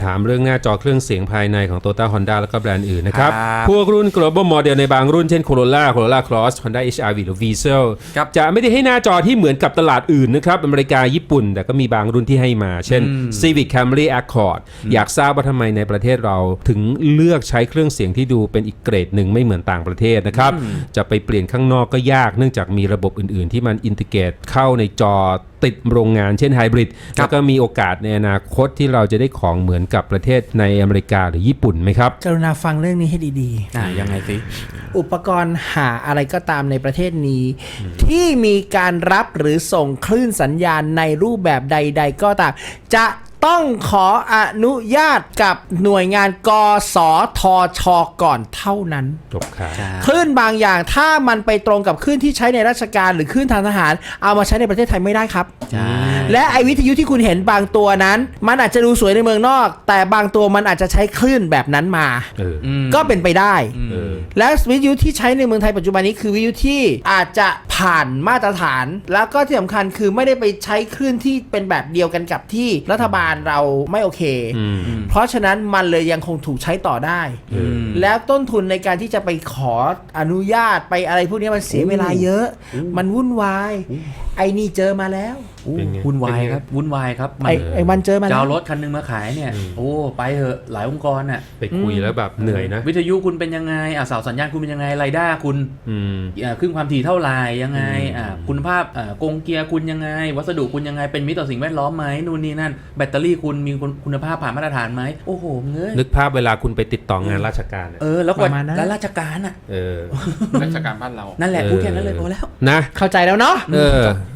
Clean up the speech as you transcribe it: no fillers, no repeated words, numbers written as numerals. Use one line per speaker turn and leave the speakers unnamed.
ถามเรื่องหน้าจอเครื่องเสียงภายในของ Toyota Honda แล้วก็แบรนด์อื่นนะครับพวกรุ่น global model ในบางรุ่นเช่น Corolla Cross Honda HR-V หรือ Diesel จะไม่ได้ให้หน้าจอที่เหมือนกับตลาดอื่นนะครับอเมริกาญี่ปุ่นแต่ก็มีบางรุ่นที่ให้มาเช่น Civic Camry Accord อยากทราบว่าทำไมในประเทศเราถึงเลือกใช้เครื่องเสียงที่ดูเป็นอีกเกรดหนึ่งไม่เหมือนต่างประเทศนะครับจะไปเปลี่ยนข้างนอกก็ยากเนื่องจากมีระบบอื่นๆที่มันอินทิเกรตเข้าในจอติดโรงงานเช่นไฮบริดแล้วก็มีโอกาสในอนาคตที่เราจะได้ของเหมือนกับประเทศในอเมริกาหรือญี่ปุ่นไหมครับ
กรุณาฟังเรื่องนี้ให้ดี
ๆยังไงสิ
อุปกรณ์หาอะไรก็ตามในประเทศนี้ที่มีการรับหรือส่งคลื่นสัญญาณในรูปแบบใดๆก็ตามจะต้องขออนุญาตกับหน่วยงานกสทช.ก่อนเท่านั้น
จบครับ
คลื่นบางอย่างถ้ามันไปตรงกับคลื่นที่ใช้ในราชการหรือคลื่นทางทหารเอามาใช้ในประเทศไทยไม่ได้ครับและไอวิทยุที่คุณเห็นบางตัวนั้นมันอาจจะดูสวยในเมืองนอกแต่บางตัวมันอาจจะใช้คลื่นแบบนั้นมาก็เป็นไปได้และวิทยุที่ใช้ในเมืองไทยปัจจุบันนี้คือวิทยุที่อาจจะผ่านมาตรฐานแล้วก็ที่สำคัญคือไม่ได้ไปใช้คลื่นที่เป็นแบบเดียวกันกับที่รัฐบาลเราไม่โอเคเพราะฉะนั้นมันเลยยังคงถูกใช้ต่อได้แล้วต้นทุนในการที่จะไปขออนุญาตไปอะไรพวกนี้มันเสียเวลาเยอะมันวุ่นวายไอ้นี่เจอมาแล้ว
วุ่นวายครับวุ่นวายครับ
ไอ้มันเจอมาแล้ว
จะเอารถคันนึงมาขายเนี่ยโอ้ไปเถอะหลายองค์กรน่ะ
ไปคุยแล้วแบบเหนื่อยนะ
วิทยุคุณเป็นยังไงเสาสัญญาณคุณเป็นยังไงไรด้าคุณคลื่นความถี่เท่าไหร่ยังไงคุณภาพกงเกียร์คุณยังไงวัสดุคุณยังไงเป็นมิตรต่อสิ่งแวดล้อมไหมนู่นนี่นั่นแบตเตอรี่คุณมีคุณภาพผ่านมาตรฐานไหมโอ้โหเงย
นึกภาพเวลาคุณไปติดต่องานราชการ
แล้วกว่าแล้วราชการ
ราชการบ้านเรา
นั่นแหละพูดแค่นั้นเลยพอแล้ว
นะ
เข้าใจแล้วเนาะ